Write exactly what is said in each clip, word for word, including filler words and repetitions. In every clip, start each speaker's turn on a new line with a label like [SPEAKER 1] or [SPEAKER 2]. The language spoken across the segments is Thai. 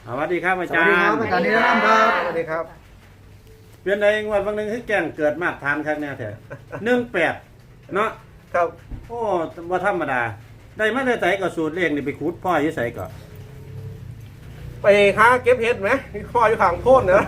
[SPEAKER 1] สวัสดีครับอา
[SPEAKER 2] ส
[SPEAKER 1] จา
[SPEAKER 2] วั
[SPEAKER 1] ร
[SPEAKER 2] ส
[SPEAKER 1] ย์
[SPEAKER 2] ดีครับอาจารย์นิรันดร์ครับสวัสดีครับ
[SPEAKER 1] เปลี่ยนใดงวดบางนึงให้แกงเกิดมาตรฐานครับเนี่ยแท้หนึ่งแปดเนาะ
[SPEAKER 2] ครับ
[SPEAKER 1] โอ้ว่าธรรมดา ได้มาได้ใส่ก็สูตรเลขนี่ไปขุดพ่ออยู่ใส่ก็
[SPEAKER 2] ไปหาเก็บเห็ดไหมพ่ออยู่ข้างโพ้นนะ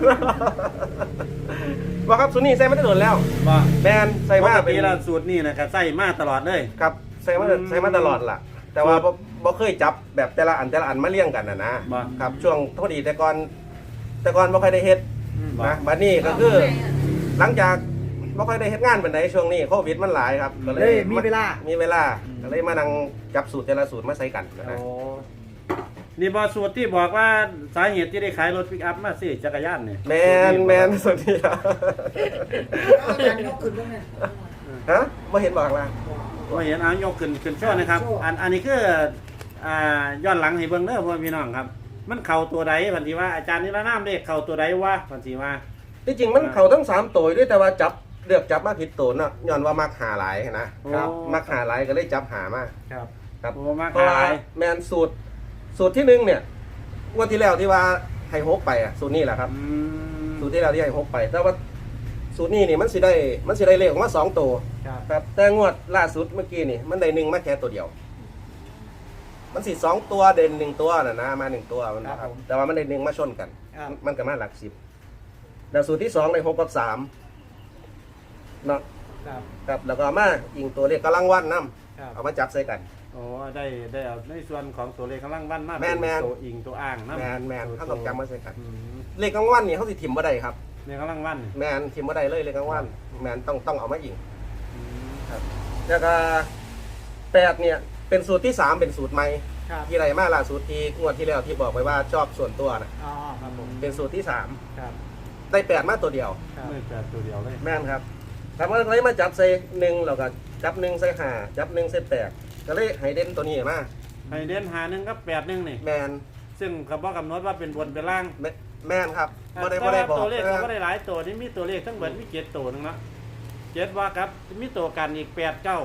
[SPEAKER 2] ว่าครับสุนี่ใส่มาได้โดนแล้ว
[SPEAKER 1] ว่า
[SPEAKER 2] แมนใส่
[SPEAKER 1] ป
[SPEAKER 2] มาก เป็
[SPEAKER 1] ติ
[SPEAKER 2] น
[SPEAKER 1] แล้วสูตรนี่นะครับใส่มาตลอดเลย
[SPEAKER 2] ครับใส่มา
[SPEAKER 1] อืม
[SPEAKER 2] ใส่มาตลอดล่ะ แต่ว่าบ่บ่เคยจับแบบแต่ละอันแต่ละอันมาเลี้ยงกันนะนะ
[SPEAKER 1] บ่
[SPEAKER 2] ครับช่วงโทษดีแต่ก่อนแต่ก่อนบ่ค่อยได้เฮ็ด
[SPEAKER 1] ว่า
[SPEAKER 2] นะบัดนี้ก็คือ หลังจากบ่ค่อยได้เฮ็ดงานปานใดช่วงนี้โควิดมันหลายครับก็เล
[SPEAKER 3] เฮ้
[SPEAKER 2] ย
[SPEAKER 3] ยมีเวลา
[SPEAKER 2] มีเวลาก็เลยมานั่งจับสูตรแต่ละสูตรมาใส่กันนะ
[SPEAKER 1] โอ้นี่บอสูตรที่บอกว่าสาเหตุที่ได้ขายรถปิกอัพมาสิจักรยานเนี่ย
[SPEAKER 2] แมนแมนสุดที่ครับ
[SPEAKER 3] อาจารย์ยกขึ้นบ้างไหม
[SPEAKER 2] ฮะบ่เห็นบอกล่ะ
[SPEAKER 1] ว่าเห็นเอายกขึ้นขึ้นช่อนะครับ
[SPEAKER 3] โชว์
[SPEAKER 1] อันอันนี้คืออ่าย้อนหลังให้เบิ่งเด้อพ่อพี่น้องครับ มันเข่าตัวใดพันธีว่าอาจารย์นิรนามเลขเข่าตัวใดวะพันธีว่า
[SPEAKER 2] ที่จริงมันเขาทั้งสามตัวด้วยแต่ว่าจับเลือกจับมาผิดตัวเนาะย้อนว่ามักหาหลายนะครับมักหาหลายก็เลยจับหามา
[SPEAKER 1] ครับ
[SPEAKER 2] ครับ
[SPEAKER 1] โอ้มาก
[SPEAKER 2] เพราะว่า
[SPEAKER 1] หลาย
[SPEAKER 2] แมนสูตรสูตรที่หนึ่งเนี่ยงวดที่แล้วที่ว่าให้ฮกไปอ่ะสูตรนี้แหละครับ
[SPEAKER 1] อืม
[SPEAKER 2] สูตรที่แล้วที่ให้ฮกไป แต่ว่าสูตรนี้นี่มันสิได้มันสิได้เลขออกมาสองตัว
[SPEAKER 1] ครับ
[SPEAKER 2] ครับแต่งวดล่าสุดเมื่อกี้นี่มันได้หนึ่งมาแค่ตัวเดียว มันสิสองตัวเด่นหนึ่งตัวน่ะนะมาหนึ่งตัวมันนะครับแต่ว่ามันได้หนึ่งมาชนกัน
[SPEAKER 3] ครับ
[SPEAKER 2] มันก็มาหลักสิบแล้วสูตรที่สองในหกกับสามเนาะ
[SPEAKER 3] ครับ
[SPEAKER 2] ครับแล้วก็เอามาอิงตัวเลขกำลังวันน้
[SPEAKER 3] ครับ
[SPEAKER 2] ำเอามาจับใส่กัน
[SPEAKER 1] โอ้ได้ได้เอาในส่วนของตัวเลขกำลังวันมา
[SPEAKER 2] แม่นแม่น
[SPEAKER 1] ตัวอิงตัวอ้างนะ
[SPEAKER 2] แมนแมนเขาต้องจำมาใส่กัน
[SPEAKER 1] อืม
[SPEAKER 2] เลขกลางวันนี่เขาสิถิ่มบ่ได้ครับ
[SPEAKER 1] เลขกำลังวัน
[SPEAKER 2] แมนถิ่มบ่ได้เลยเลขกลางวันแมนต้องต้องเอามาอิง
[SPEAKER 1] อืม
[SPEAKER 2] ครับแล้วก็แปดเนี่ยเป็นสูตรที่สามเป็นสูตรใหม่
[SPEAKER 3] ครับ
[SPEAKER 2] ที่ไรมาล่าสุดที่งวดที่แล้วที่บอกไปว่าชอบส่วนตัวนะ
[SPEAKER 3] อ๋อครับผม
[SPEAKER 2] เป็นสูตรที่สาม
[SPEAKER 3] ครับ
[SPEAKER 2] ได้แปดมาตัวเดียว
[SPEAKER 3] ครับ
[SPEAKER 1] ไม่แปดตัวเดียวเลย
[SPEAKER 2] แม่นครับทำอะไรมาจับใส่หนึ่งเราก็จับหนึ่งใส่ห้าจับหนึ่งใส่แปดก็เลยให้เด่นตัวนี้มา
[SPEAKER 1] ให้เด่นหาหนึ่งกับแปดหนึ่งนี่
[SPEAKER 2] แมน
[SPEAKER 1] ซึ่งเขาบอกกำหนดว่าเป็นบนเป็นล่าง
[SPEAKER 2] แมแมนครับบ่ได้
[SPEAKER 1] แต่
[SPEAKER 2] บ่ได้
[SPEAKER 1] ว่า
[SPEAKER 2] บอก
[SPEAKER 1] ตัวเลข
[SPEAKER 2] เอ
[SPEAKER 1] เขา
[SPEAKER 2] อ
[SPEAKER 1] ก็ได้หลายตัวนี่มีตัวเลขทั้งหมดมีเจ็ดตัวหนึงละเจ็ดว่าครับมีตัวกันอีกแปดเก้า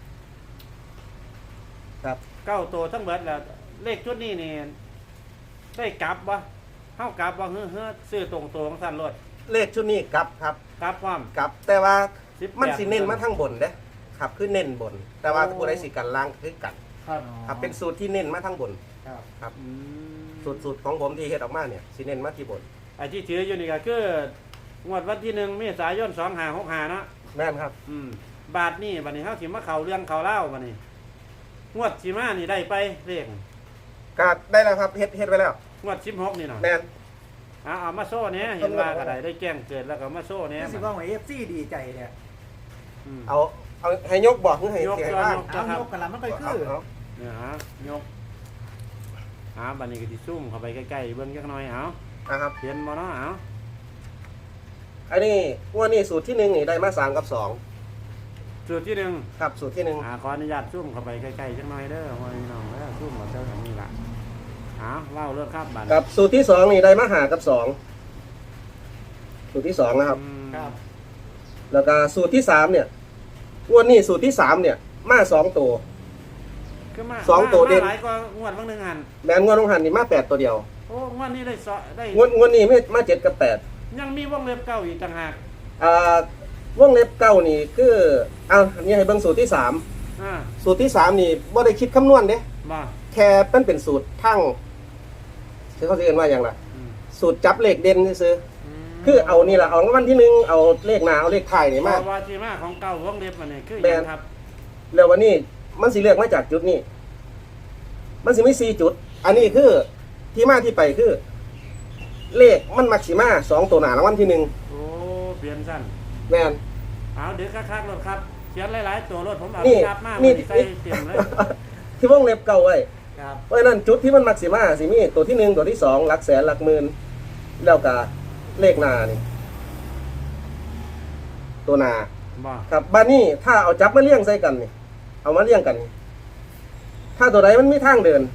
[SPEAKER 2] ครับ
[SPEAKER 1] เก้าตัวทั้งหมดแล้วเลขชุดนี้นี่ได้กลับวะเข้ากลับว่าเฮ้อเฮ้อซื้อตรงตัวของสั้นรถ
[SPEAKER 2] เลขชุดนี้กลับครับ
[SPEAKER 1] กลับความ
[SPEAKER 2] กลับ แต่ว่า
[SPEAKER 1] สิบแปด
[SPEAKER 2] มันสิเน้นมาทั้งบนเด้ครับคือเน้นบน แต่ว่าผู้ใดสิกันล่างคือกัน
[SPEAKER 1] ครับ
[SPEAKER 2] ครับเป็นสูตรที่เน้นมาทั้งบน
[SPEAKER 3] ครับ
[SPEAKER 2] ครับ
[SPEAKER 1] อืม
[SPEAKER 2] สูตรสูตรของผมที่เฮ็ดออกมาเนี่ยสิเน้นมาที่บน
[SPEAKER 1] ไอ้ที่ถืออยู่นี่ก็คืองวดวันที่หนึ่งเมษายนสองหาหกหาเนาะ
[SPEAKER 2] แม่นครับ
[SPEAKER 1] อืมบาทนี่บัดนี้เขาสิมาเข่าเรื่องเข่าเล่าบัดนี้งวดสิมานี่ได้ไปเลข
[SPEAKER 2] ก็ได้แล้วครับเฮ็ดเฮ็ดไว้แล้ว
[SPEAKER 1] งวดสิบหกนี่เนาะ
[SPEAKER 2] แม่น
[SPEAKER 1] เอาเอามาโซ่เนี้ยเห็นว่าก็ได้ได้แจ้งเกิดแล้วก็มาโซ่เนี้ย
[SPEAKER 3] นี่สิว่าของเอฟซีดีใจเนี่ย
[SPEAKER 1] อืม
[SPEAKER 2] เอาเอาให้ยกบอกหรือให้
[SPEAKER 1] ยก
[SPEAKER 2] เสีย
[SPEAKER 1] ยก
[SPEAKER 2] บ้าง
[SPEAKER 1] ยก
[SPEAKER 3] เอายกกันละมันก็
[SPEAKER 2] เอา
[SPEAKER 3] คือ
[SPEAKER 2] เอา
[SPEAKER 1] เนี่ยฮะยกหาบัดนี้ก็สิซุ่มเข้าไปใกล้ๆเบิ่งจักหน่อยเอา
[SPEAKER 2] อ่ะครับ
[SPEAKER 1] เห็นบ่เนาะเอา
[SPEAKER 2] อันนี้งวดนี้สูตรที่หนึ่งนี่ได้มาสามกับสอง
[SPEAKER 1] จุดที่หนึ่ง
[SPEAKER 2] ครับสูตรที่หนึ่ง
[SPEAKER 1] อ่าขออนุญาตซุ่มเข้าไปใกล้ๆจักหน่อยเด้อพ่อพี่น้องเด้อซุ่มมาเจอกันนี่ล่ะเอาเล่าเรื่องครับบัด
[SPEAKER 2] ครับสูตรที่สองนี่ได้มาหากับสองสูตรที่สองนะครับ
[SPEAKER 1] อืม
[SPEAKER 3] ครับ
[SPEAKER 2] แล้วก็สูตรที่สามเนี่ยงวดนี้สูตรที่สามเนี่ย มาสองตัว
[SPEAKER 1] คือมา
[SPEAKER 2] สองตัว
[SPEAKER 1] มา
[SPEAKER 2] เด่น
[SPEAKER 1] หลายกว่างวดบางหนึงหัน
[SPEAKER 2] แมนงวดลงหันนี่มาแปดตัวเดียว
[SPEAKER 1] โอ้งวดนี้ได้สอได้
[SPEAKER 2] งวดงวดนี้ไม่มาเจ็ดกับแปด
[SPEAKER 1] ยังมีวงเล็บเก้าอีกต่างหาก
[SPEAKER 2] อ่าวงเล็บเก้านี่คือเอาอันนี้ให้เบิ่งสูตรที่สาม
[SPEAKER 1] อ่า
[SPEAKER 2] สูตรที่สามนี่บ่ได้คิดคำนวณเด้
[SPEAKER 1] บ่
[SPEAKER 2] แค่เป็นเป็นสูตรทั้งคือเขาเรียกว่าอย่างไร
[SPEAKER 1] อืม
[SPEAKER 2] สูตรจับเลขเด่นซื้อ
[SPEAKER 1] ม
[SPEAKER 2] คือเอานี่แหละเอารางวัลที่หนึ่งเอาเลขหนาเอาเลขไทายนี่
[SPEAKER 1] เพ
[SPEAKER 2] มา
[SPEAKER 1] ราะว่าที่มาของเก้าวงเล็บมันนี่คือห
[SPEAKER 2] แม่
[SPEAKER 1] ยั
[SPEAKER 2] น
[SPEAKER 1] งครับ
[SPEAKER 2] แล้ววันนี้มันสิเลือกมาจากจุดนี้ มันสิไม่สี่จุด อันนี้คือที่มาที่ไปคือ เลขมันมักสิมาสองตัวหนารางวัลที่หนึ่ง
[SPEAKER 1] โอ้เปลี่ยนสั้น
[SPEAKER 2] แม่น
[SPEAKER 1] เอาเดี๋ยวคักๆรถครับเขียนหลายๆตัวรถผมเอา
[SPEAKER 2] นี่
[SPEAKER 1] กลับมา
[SPEAKER 2] นี่
[SPEAKER 1] นี่ใส่เต็มเลย
[SPEAKER 2] ที่วงเล็บเก่าไว้
[SPEAKER 3] ครับ
[SPEAKER 2] เพราะฉะนั้นจุดที่มันมักสิมาสิมีตัวที่หนึ่งตัวที่สองหลักแสนหลักหมื่นแล้วก็เลขหนานี่ ตัวหนา
[SPEAKER 1] บ่
[SPEAKER 2] ครับบ้านนี้ถ้าเอาจับมาเลี้ยงใส่กันนี่เอามาเลี้ยงกันนี่ถ้าตัวใดมันมีทางเดิน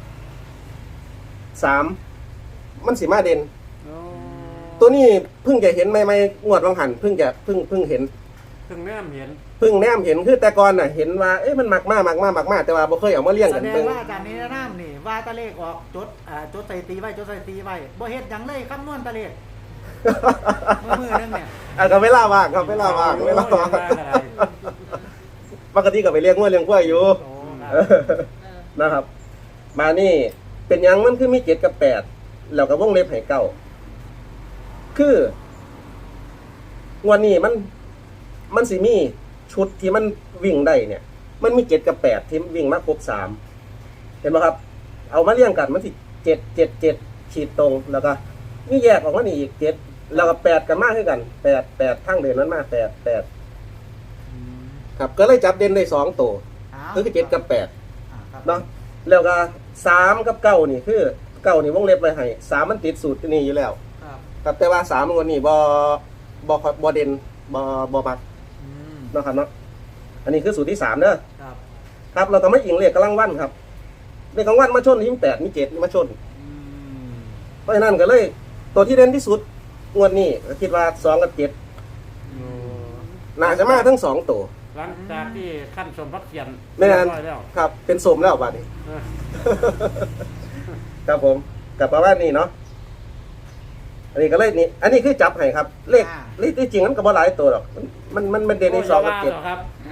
[SPEAKER 2] สามมันสิมาเด่น
[SPEAKER 1] โอ้
[SPEAKER 2] ตัวนี้เพิ่งจะเห็นไม่ไม่งวดวังหันเพิ่งจะเพิ่งเพิ่งเห็น
[SPEAKER 1] ถึงแนมเห็น
[SPEAKER 2] เพิ่งแนมเห็นคือแต่ก่อนน่ะเห็นว่าเอ๊ะมันมักมากมักมากมักมากแต่ว่าบ่เคยเอามาเลี้ยง
[SPEAKER 3] แส
[SPEAKER 2] กัน
[SPEAKER 3] ดง
[SPEAKER 2] เบิ่ง
[SPEAKER 3] ว่าอาจารย์นิรนามนี่ว่าตะเลขออกจดอ่าจดใส่ตีไว้จดใส่ตีไว้บ่เฮ็ดหยังเลยคำนวณตะเลขเมื่อมือนึงเนี่ย
[SPEAKER 2] อ่ะก็เวลาว่างครับเวลาว่างเวลาว่างปกติก็ไปเลี้ยงวัวเลี้ยงควายอยู่
[SPEAKER 3] โอ้
[SPEAKER 2] เออนะครับ มานี่เป็นหยังมันคือมีเจ็ดกับแปดแล้วก็วงเล็บให้เก้าคืองวดนี้มันมันสิมีชุดที่มันวิ่งได้เนี่ย มันมีเจ็ดกับแปดที่วิ่งมาครบสามเห็นไหมครับ เอามาเรียงกันมันสิเจ็ดเจ็ดเจ็ดขีดตรงแล้วก็นี่แยกออกมานี่อีกเจ็ดแล้วก็แปดกันมากขึ้นกันแปดแปดทั้งเดือนนั้นมาแปดแปดครับก็เลยจับเด่นได้สองตัวคือเจ็ดกับแปด
[SPEAKER 3] อ่าครับ
[SPEAKER 2] เนาะแล้วก็สามกับเก้านี่คือเก้านี่วงเล็บไว้ให้สามมันติดสูตรนี่อยู่แล้ว
[SPEAKER 3] ครับ
[SPEAKER 2] ครับแต่ว่าสามวันนี้บอบอบอเด่นบอบอมัก
[SPEAKER 3] อืม
[SPEAKER 2] เนาะครับเนาะอันนี้คือสูตรที่สามเด้อ
[SPEAKER 3] ครับ
[SPEAKER 2] ครับเราก็ไม่อิงเลขกำลังวันครับเลขกำลังวันมาชนที่แปดมีเจ็ดมาชน
[SPEAKER 3] อืม
[SPEAKER 2] เพราะฉะนั้นก็เลยตัวที่เด่นที่สุดงวดนี้ก็คิดว่าสองกับเจ็ดน่าจะมาทั้งสองตัว
[SPEAKER 1] หลังจากที่ขั้นสมพักเขียน
[SPEAKER 2] ไม่นาน
[SPEAKER 1] เรียบร้อยแล้ว
[SPEAKER 2] ครับ เป็นสมแล้วบัดนี้
[SPEAKER 1] เออ
[SPEAKER 2] ครับผมกับประมาณนี้เนาะอันนี้ก็เลยนี่อันนี้คือจับให้ครับ เลขเลขที่จริงมันก็บ่หลายตัวหรอกมันมันมันเด่นในสองกับเจ็ด
[SPEAKER 1] โย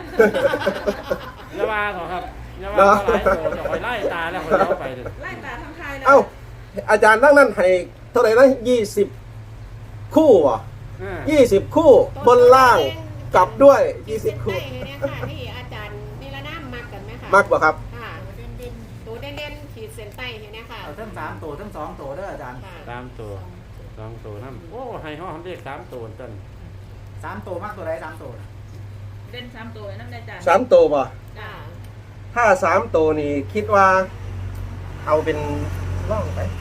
[SPEAKER 1] อย่าว่าหรอกครับอย่าว่าหรอกครับอย่าว่าหลายตัวจะคอยไล่ตาแล้วคอยเล่าไปเลย
[SPEAKER 4] ไล่ตาทำทายเลย
[SPEAKER 2] เอ้าอาจารย์ทั้งนั้นให้เท่าไหร่นะยี่สิบคู่อ่ะ
[SPEAKER 1] เออ
[SPEAKER 2] ยี่สิบคู่บนล่างกลับด้วยยี่สิบคู่
[SPEAKER 4] ขีดเส้นใต้ให้เนี่ยค่ะที่อาจารย์นิรนามมักกันไหมคะ
[SPEAKER 2] มากกว่าครับ
[SPEAKER 4] ค่ะตัวเด่นๆขีดเส้นใต้ให้เนี่ยค่ะ
[SPEAKER 3] เอาทั้งสามตัวทั้งสองตัวเด้ออาจารย์
[SPEAKER 4] ค่ะ
[SPEAKER 1] สามตัวสองตัวนั่นโอ้ให้ห้องเรียกสามตัวต้น
[SPEAKER 3] สามตัวมากตัวใดสามตัว
[SPEAKER 4] เด่นสามตัวนั่นเลยจ้ะ
[SPEAKER 2] สามตัวป่ะ
[SPEAKER 4] จ้ะ
[SPEAKER 2] ถ้าสามตัวนี่คิดว่า เอาเป็นล่องไป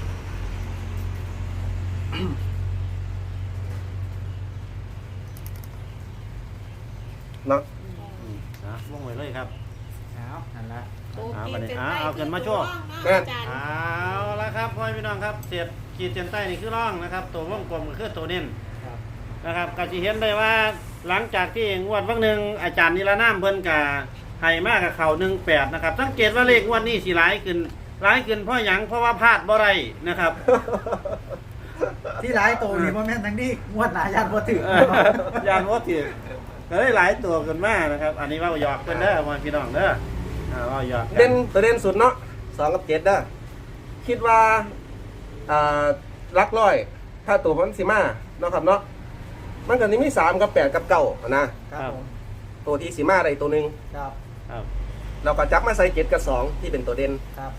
[SPEAKER 2] เนาะ
[SPEAKER 1] นะวงไว้เลยครับ
[SPEAKER 3] เอานั่นละ
[SPEAKER 4] ตัว
[SPEAKER 1] เอา
[SPEAKER 4] ขี
[SPEAKER 1] บั
[SPEAKER 4] ด
[SPEAKER 1] ดนี้
[SPEAKER 4] เส้น
[SPEAKER 1] เอา
[SPEAKER 4] ใต้
[SPEAKER 1] เอาเงินมาโชว์
[SPEAKER 4] คือตัวร่องเนาะอาจารย์
[SPEAKER 1] เอาละครับพ่อพี่น้องครับเสียดขีดเส้นใต้นี่คือร่องนะครับ ตัววงกลมก็คือตัวเน้น
[SPEAKER 3] ครับ
[SPEAKER 1] นะครับก็จะเห็นได้ว่าหลังจากที่งวดวันหนึ่งอาจารย์นิรนามเพิ่นกะให้มากกับเขาหนึ่งแปดนะครับสังเกตว่าเลขงวดนี้สิร้ายขึ้นร้ายขึ้นเพราะหยังเพราะว่าพลาดบ่ไรนะครับ
[SPEAKER 3] ที่หลายตัวนี่บ่แม่นทั้งนี้งวดหน้าญาติบ่ถือ
[SPEAKER 1] เออยานว่าถือก็ได้หลายตัวกันมากนะครับ อันนี้ว่าหยอกเพิ่นเด้อพ่อพี่น้องเด้ออ่าว่าหยอกกั
[SPEAKER 2] เด่นตัวเด่นสุดเนาะสองกับเจ็ดเด้อคิดว่าอ่าลักร้อย ถ้าตัวมันสิมาเนาะครับเนาะมันก็นี่มีสามกับแปดกับเก้านะครับ
[SPEAKER 3] ผม
[SPEAKER 2] ตัวที่สิมาได้ตัวหนึ่ง
[SPEAKER 3] ครับ
[SPEAKER 1] ครับ
[SPEAKER 2] เราก็จับมาใส่เจ็ดกับสองที่เป็นตัวเด่น
[SPEAKER 3] ครับ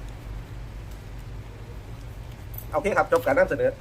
[SPEAKER 2] โอเคครับจบการนำเสนอ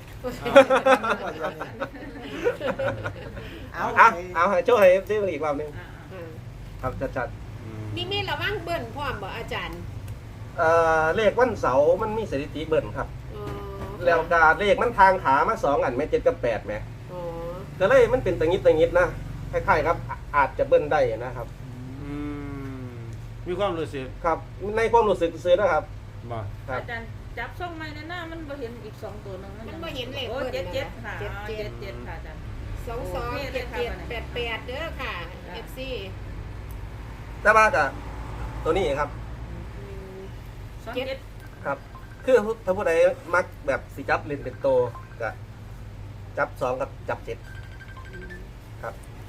[SPEAKER 3] เอา
[SPEAKER 2] เอาเอาให้โชว์ให้ซื้ออีกรอบหนึง
[SPEAKER 4] อืม
[SPEAKER 2] ครับจัด
[SPEAKER 1] อืม
[SPEAKER 4] นี่มีระวังเบิ้ลพร้อมบ่อาจารย์
[SPEAKER 2] ๆเอ่อเลขวันเสาร์มันมีสถิติเบิ่นครับ
[SPEAKER 4] อ๋อ
[SPEAKER 2] แล้วกาเลขมันทางขามาสองอันแม่เจ็ดกับแปดแม่
[SPEAKER 4] อ๋อ
[SPEAKER 2] ก็เลยมันเป็นตังงิดตังงิดนะคล้ายๆครับอ่ะอาจจะเบิ้ลได้นะครับ
[SPEAKER 1] อืมมีความรู้สึก
[SPEAKER 2] ครับ ในความรู้สึกซื้อนะครับ
[SPEAKER 1] บ่
[SPEAKER 2] ครับ
[SPEAKER 5] อาจารย์จับส่งไม้ในหน้ามันบ่เห็นอีกสองตัวหนึง
[SPEAKER 4] มันบ่เห็นเลข
[SPEAKER 5] โอ้
[SPEAKER 4] เบิ้ล
[SPEAKER 5] เจ็ดเจ็ด
[SPEAKER 4] นะ
[SPEAKER 5] ค่ะ
[SPEAKER 4] เจ็ด
[SPEAKER 5] อ๋อ
[SPEAKER 4] เจ็
[SPEAKER 5] เจ็
[SPEAKER 4] ด
[SPEAKER 5] ดเจ็ดค่ะอาจารย์
[SPEAKER 4] สองสองเจ็ดเจ็ดแปดแปดเด้อค่ะ เอฟซี
[SPEAKER 2] แต่ว่ากะตัวนี้ครับ
[SPEAKER 5] สองเจ็ด
[SPEAKER 2] ครับ คือถ้าผู้ใดมักแบบสิจับเล่นเป็นโตก็จับสองกับจับเจ็ดครับ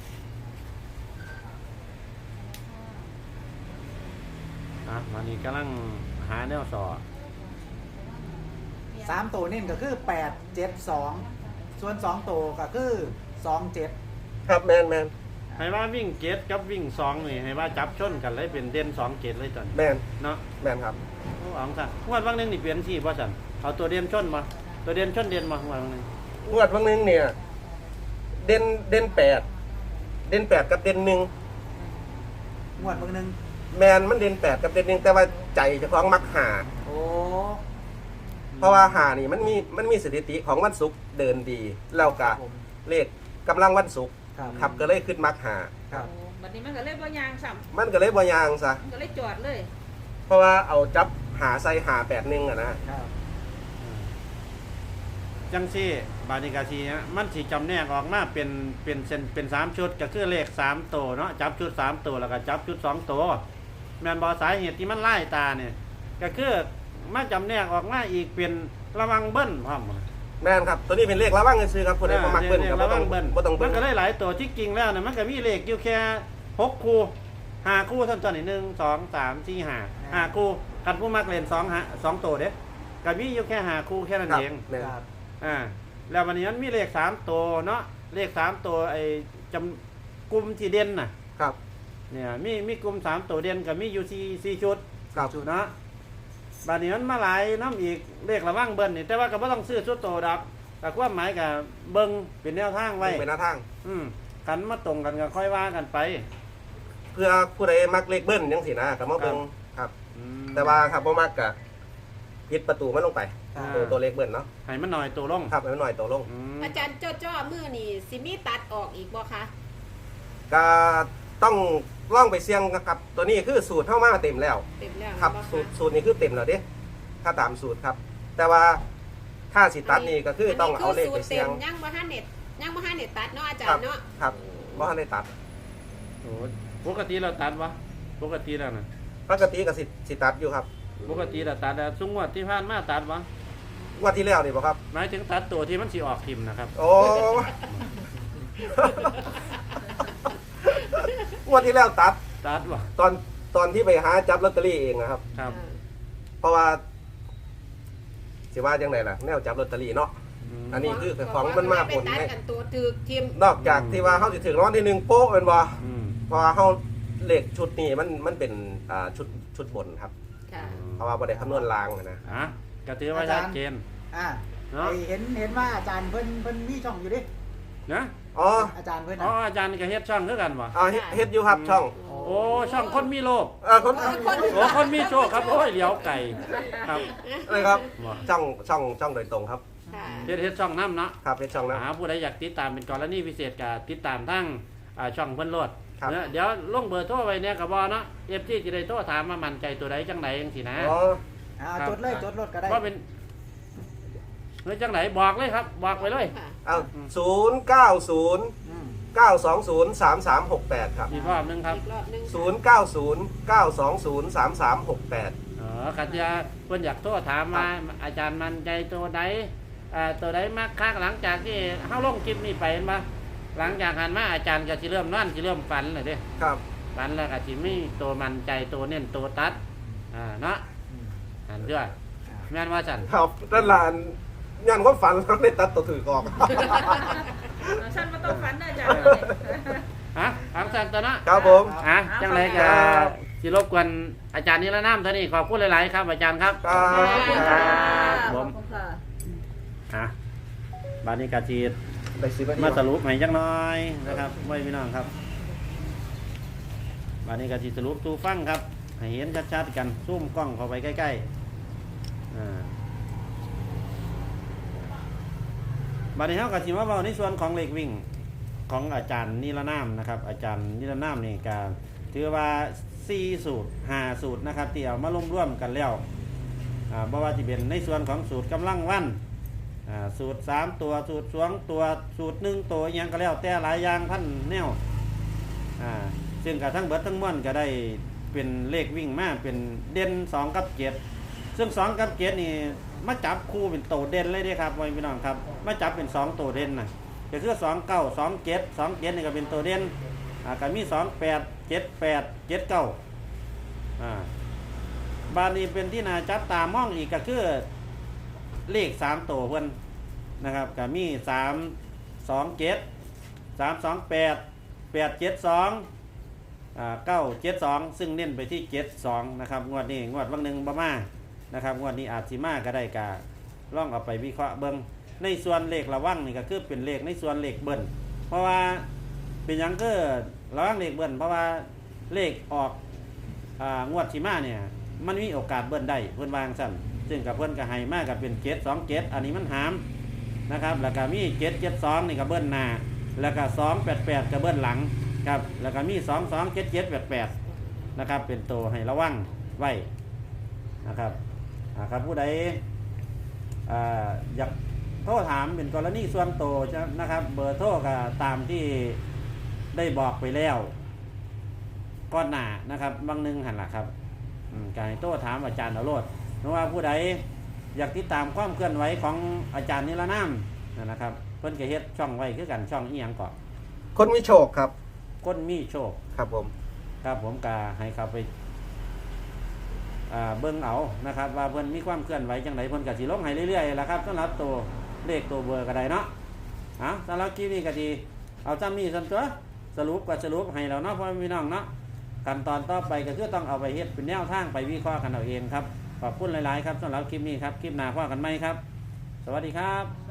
[SPEAKER 1] อ่ะวันนี้กำลังหาแนวสอ
[SPEAKER 3] สามตัวนี่ก็คือแปดเจ็ดสองส่วนสองตัวก็คือสองเจ็ด
[SPEAKER 2] ครับแมนแมน
[SPEAKER 1] ให้ว่าวิ่งเกตกับวิ่งสองนี่ให้ว่าจับชนกันเลยเป็นเด่นสองเกตเลยตอนนี้
[SPEAKER 2] แมน
[SPEAKER 1] เนาะ
[SPEAKER 2] แมนครับ
[SPEAKER 1] โอ้เอาสั่นงวดวันหนึงนี่เปลี่ยนที่บ่สั่นเอาตัวเด่นชนมาตัวเด่นชนเด่นมางวดวันหนึง
[SPEAKER 2] งวดวันหนึงเนี่ย เด่นเด่นแปดเด่นแปดกับเด่นหนึ่ง
[SPEAKER 3] งวดเบิ่งหนึง
[SPEAKER 2] แมนมันเด่นแปดกับเด่นหนึ่งแต่ว่าใจเจะคล้าของมักหา
[SPEAKER 3] โอ้
[SPEAKER 2] เพราะว่าหานี่มันมีมันมีสถิติของวันศุกร์เดินดีแล้ว
[SPEAKER 3] ครั
[SPEAKER 2] กะ
[SPEAKER 3] บผม
[SPEAKER 2] เลขกำลังวันศุกร์
[SPEAKER 3] ครับ
[SPEAKER 2] ขับก็เลยขึ้นมักหา
[SPEAKER 3] ครับ
[SPEAKER 5] โอ้บัดนี้มันก็เลยบ่ยางซ้
[SPEAKER 2] มันก็เลยบ่ยางซะ
[SPEAKER 5] ำมันก็เลยจอดเลย
[SPEAKER 2] เพราะว่าเอาจับหาใส่หาแปดหนึ่งอะนะ
[SPEAKER 3] ครับ
[SPEAKER 1] จังซี่บานิกาซีฮะมันสิจำแนกออกมาเป็นเป็นเส้นเป็นสามชุดก็คือเลขสามตัวเนาะจับชุดสามตัวแล้วก็จับชุดสองตัวแม่นบ่สาเหตุที่มันไล่ตาเนี่ยก็คือมันจำแนกออกมาอีกเป็นระวังเบิ้ลพร้อม
[SPEAKER 2] แม่นครับตัวนี้เป็นเลขระวังซื้อครับผู้ใดบ่มักเบิ้ลก็บ่
[SPEAKER 1] ระ
[SPEAKER 2] ต้
[SPEAKER 1] วั
[SPEAKER 2] อง
[SPEAKER 1] งเบิ้ล
[SPEAKER 2] บ่ต้อง
[SPEAKER 1] มั
[SPEAKER 2] เบิ้
[SPEAKER 1] น
[SPEAKER 2] ล
[SPEAKER 1] ก็ได้หลายตัวที่จริงแล้วนะมันก็มีเลขอยู่แค่หกคู่ห้าคู่เท่านั้นหนึ่งสองสามสี่ห้าห้าคู่กันผู้มักเล่นสองหาสองตัวเด้ก็มีอยู่แค่ห้าคู่แค่นั้น
[SPEAKER 2] ครับ
[SPEAKER 1] เอง
[SPEAKER 2] แม่น
[SPEAKER 3] ครับ
[SPEAKER 1] อ่าแล้ววันนี้มันมีเลขสามตัวเนาะเลขสามตัวไอ้จำกลุ่มที่เด่นน่ะ
[SPEAKER 2] ครับ
[SPEAKER 1] เนี่ยมีมีกลุ่มสามตัวเด่นกับมีอยู่สี่สี่ชุด
[SPEAKER 2] ครับ
[SPEAKER 1] เนาะบัดนี้มันมาหลายน้ำอีกเลขระว่างเบิ้ลนี่แต่ว่าก็บ่ต้องซื้อชุดโตดอกแต่ความหมายกับเบิ้งเป็นแนวทางไว้
[SPEAKER 2] เป็นหน้าทาง
[SPEAKER 1] อืมกันมาตรงกันก็ค่อยว่ากันไป
[SPEAKER 2] เพื่อผู้ใดมักเลขเบิ้ลจังซี่นะก็มาเบิ่งครับ
[SPEAKER 1] อืม
[SPEAKER 2] แต่ว่าครับบ่มักก็ปิดประตูมันลงไป
[SPEAKER 3] ครับ
[SPEAKER 2] ตัวตัวเลขเบิ้ลเนาะ
[SPEAKER 1] ให้มันหน่อยตัวลง
[SPEAKER 2] ครับให้มันหน่อยตัวลง
[SPEAKER 1] อืม
[SPEAKER 4] อาจารย์จ้อจ้อมือนี่สิมีตัดออกอีกบ่คะ
[SPEAKER 2] ก็ต้องล่องไปเสี่ยงนะครับ ตัวนี้คือสูตรเข้ามาเต็มแล้ว
[SPEAKER 4] เต็มแล้ว
[SPEAKER 2] ครับ
[SPEAKER 4] บ่ะ
[SPEAKER 2] สูตรสูตรนี้คือเต็มแล้วเด้ถ้าตามสูตรครับ แต่ว่าถ้าสิตัดนี่ก็คือต้องเอาเลขไปเสี่ยง
[SPEAKER 4] อันนี้คือสูตรต็มยังบ่ทันเน็ตยังบ่ทันเน็ตตัดเนาะอาจา
[SPEAKER 2] ค
[SPEAKER 4] ร
[SPEAKER 2] รับ
[SPEAKER 4] ย์เนาะ
[SPEAKER 2] ครับเพราะได้ตัด
[SPEAKER 1] โอ้ปกติเราตัดวะปกติแล้วนะ
[SPEAKER 2] ปกติก็สิสิตัดอยู่ครับ
[SPEAKER 1] ปกติเราตัดแล้วซุงวดที่ผ่านมาตัดวะ
[SPEAKER 2] งวันที่แล้วนี่บ่ครับ
[SPEAKER 1] หมายถึงตัดตัวที่มันสิออกทิมนะครับ
[SPEAKER 2] โอ้ งวันที่แล้วตัด
[SPEAKER 1] ตัดวะ
[SPEAKER 2] ตอนตอนที่ไปหาจับลอตเตอรี่เองนะครับ
[SPEAKER 1] ครับ
[SPEAKER 2] เพราะว่าสิว่าจังไดล่ะแนวจับลอตเตอรี่เนาะ
[SPEAKER 1] ม
[SPEAKER 2] อันนี้คือของมันมาผล
[SPEAKER 4] ไปตัด
[SPEAKER 2] ให้
[SPEAKER 4] กันตัวตึกทีม
[SPEAKER 2] นอกจากที่ว่าเขาจะถึงรางวัลที่หนึ่งโป๊ะเป็นบ่
[SPEAKER 1] อืม
[SPEAKER 2] เพราะว่าเขาเลขชุดนี้มันมันเป็นอ่าชุดชุดบนครับ
[SPEAKER 4] ค่ะ
[SPEAKER 2] เพราะว่าบ่ได้คำนวณรางนะ
[SPEAKER 1] อ่ะก็ถือว่าชัดเจน
[SPEAKER 3] อ่า
[SPEAKER 1] เนาะ
[SPEAKER 3] ไอ้เห็นเห็นว่าอาจารย์เพิ่นเพิ่นมีช่องอยู่ดิ
[SPEAKER 1] นะ
[SPEAKER 2] อ๋อ
[SPEAKER 3] อาจารย์เพิ่น
[SPEAKER 1] อ๋อ
[SPEAKER 3] น่ะ
[SPEAKER 1] อาจารย์ก็เฮ็ดช่องคือกันวะ
[SPEAKER 2] อ่าเฮ็ดเฮ็ดอยู่ครับช่อง
[SPEAKER 1] โอ้ช่องคนมีโลภ
[SPEAKER 2] เออคน
[SPEAKER 1] โอ้คนมีโชคครับโอ้ยเหลียวไก่ครับ
[SPEAKER 2] อะไรครับ
[SPEAKER 1] บ่
[SPEAKER 2] ช่องช่องช่องโดยตรงครับ
[SPEAKER 4] ค่ะ
[SPEAKER 1] เฮ็ดเฮ็ดช่องน้ำเนาะ
[SPEAKER 2] ครับเฮ็ดช่องนะ
[SPEAKER 1] หาผู้ใดอยากติดตามเป็นกรณีพิเศษก็ติดตามทั้งอ่าช่องเพิ่นโลด
[SPEAKER 2] ครับ
[SPEAKER 1] เนอะเดี๋ยวลงเบอร์โทรไว้เนี่ยก็บ่เนาะ เอฟ ซี สิได้โทรถามว่ามั่นใจตัวใดจังไดจังซี่นะ
[SPEAKER 2] อ๋อ
[SPEAKER 3] อ่า
[SPEAKER 1] ครับ
[SPEAKER 3] จดเลยจดรถก็ได้
[SPEAKER 1] ว่าเป็นเฮ้ยจังไหนบอกเลยครับ บอกไปเลย
[SPEAKER 4] ค่ะ
[SPEAKER 2] เอาศูนย์เก้าศูนย์
[SPEAKER 3] อืม
[SPEAKER 2] เก้าสองศูนย์สามสามหกแปดครับ
[SPEAKER 1] อีกรอบหนึงครับ
[SPEAKER 4] อีกรอบหนึง
[SPEAKER 2] ศูนย์เก้าศูนย์เก้าสองศูนย์สามสามหกแปด
[SPEAKER 1] อ๋อคันจะเพิ่นอยากโทรถามว่าอาจารย์มั่นใจตัวใดอ่าตัวใดมากคักหลังจากที่เฮาลงคลิปนี้ไปเห็นบ่หลังจากหันมาอาจารย์ก็สิเริ่มนอนสิเริ่มฝันเลยเด้
[SPEAKER 2] ครับ
[SPEAKER 1] ฝันแล้วก็สิมีตัวมั่นใจตัวเน้นตัวตัดอ่าเนาะ
[SPEAKER 3] อืม
[SPEAKER 1] อันเด้อแม่นว่าจัน
[SPEAKER 2] ครับด้านหลานยันความฝันแล้วได้ตัดตัวถือกออก
[SPEAKER 5] ฉันมาต้องฝันนะอาจารย์
[SPEAKER 1] ฮะอังสันตัวเนาะ
[SPEAKER 2] ครับผม
[SPEAKER 1] อ่ะจังไรก็
[SPEAKER 2] ครับ
[SPEAKER 1] สิรบกวนอาจารย์นิรนามเท่านี้ขอบคุณหลาย ๆ ครับอาจารย์ครับ
[SPEAKER 2] ครับ
[SPEAKER 1] ครับผม
[SPEAKER 5] ขอบคุณค่ะ
[SPEAKER 1] อ่ะบานนี้กาจี
[SPEAKER 2] ได้สิบนาที
[SPEAKER 1] มาสรุปให้จังน้อยนะครับไว้พี่น้องครับบานนี้กาจีสรุปตูฟังครับ ให้เห็นชัด ๆ กันซูมกล้องเข้าไปใกล้ ๆ อ่าบานนี้เขากาจีมาเบาในส่วนของเลขวิ่งของอาจารย์นิรนามนะครับ อาจารย์นิรนามนี่ก็ถือว่าสี่สูตรห้าสูตรนะครับที่เอามาร่วมๆกันแล้วอ่าบ่ว่าจะเป็นในส่วนของสูตรกำลังวันอ่าสูตรสามตัวสูตรสองตัวสูตรหนึ่งตัวอหยังก็แล้วแต่หลายอย่างท่านแนวอ่าซึ่งกับทั้งเบิดทั้งม้วนก็ได้เป็นเลขวิ่งมาเป็นเด่นสองกับเจ็ดซึ่งสองกับเจ็ดนี่มาจับคู่เป็นโตเด่นเลยเด้ครับพี่น้องครับมาจับเป็นสองโตเด่นนะก็คือสองเก้าสองเจ็ดสองเจ็ดนี่ก็เป็นโตเด่นอ่าก็มีสองแปดเจ็ดแปดเจ็ดเก้าอ่าบานนี้เป็นที่น่าจับตามองอีกก็คือเลขสามโตเพื่อนนะครับก็มีสามสองเจ็ดสามสองแปดแปดเจ็ดสองอ่าเก้าเจ็ดสองซึ่งเน้นไปที่เจ็ดสองนะครับงวดนี้งวดวันหนึ่งประมานะครับงวดนี้อาจสิมาก็ได้กาล่องเอาไปวิเคราะห์เบิ้งในส่วนเลขระวังนี่ก็คือเป็นเลขในส่วนเลขเบิ้ลเพราะว่าเป็นหยังก็ระวังเลขเบิ้ลเพราะว่าเลขออกอ่างวดที่มาเนี่ยมันมีโอกาสเบิ้ลได้เพื่อนวางสั่นซึ่งกับเพื่อนก็ให้มากกับเป็นเจ็ดสองเจ็ดอันนี้มันหามนะครับแล้วก็มีเจ็ดเจ็ดสองนี่ก็เบิ้ลหน้าแล้วก็สองแปดแปดก็เบิ้ลหลังครับแล้วก็มีสองสองเจ็ดเจ็ดแปดแปดนะครับเป็นตัวให้ระวังไว้นะครับอ่าครับผู้ใดอ่าอยากโทรถามเป็นกรณีส่วนตัวจะนะครับ เบอร์โทรก็ตามที่ได้บอกไปแล้วก้อนหน้านะครับบางหนึงหันล่ะครับอืมการโทรถามอาจารย์เอาโลดเพราะว่าผู้ใดอยากติดตามความเคลื่อนไหวของอาจารย์นิรนามนะครับเพิ่นก็เฮ็ดช่องไว้คือกันช่องอีหยังก่อน
[SPEAKER 2] คนมีโชคครับ
[SPEAKER 1] คนมีโชค
[SPEAKER 2] ครับผม
[SPEAKER 1] ครับผมก็ให้เขาไปอ่าเบิ่งเอานะครับ ว่าเพิ่นมีความเคลื่อนไหวจังไดเพิ่นก็สิลงให้เรื่อยๆล่ะครับสำหรับตัวเลขตัวเบอร์ก็ได้เนาะเอาสำหรับคลิปนี้ก็ดีเอาจำนี้ซั่นตัวสรุปก็สรุปให้แล้วเนาะพ่อพี่น้องเนาะขั้นตอนต่อไปก็คือต้องเอาไปเฮ็ดเป็นแนวทางไปวิเคราะห์กันเอาเองครับขอบคุณหลายๆครับสำหรับคลิปนี้ครับคลิปหน้าพบกันใหม่ครับ สวัสดีครับ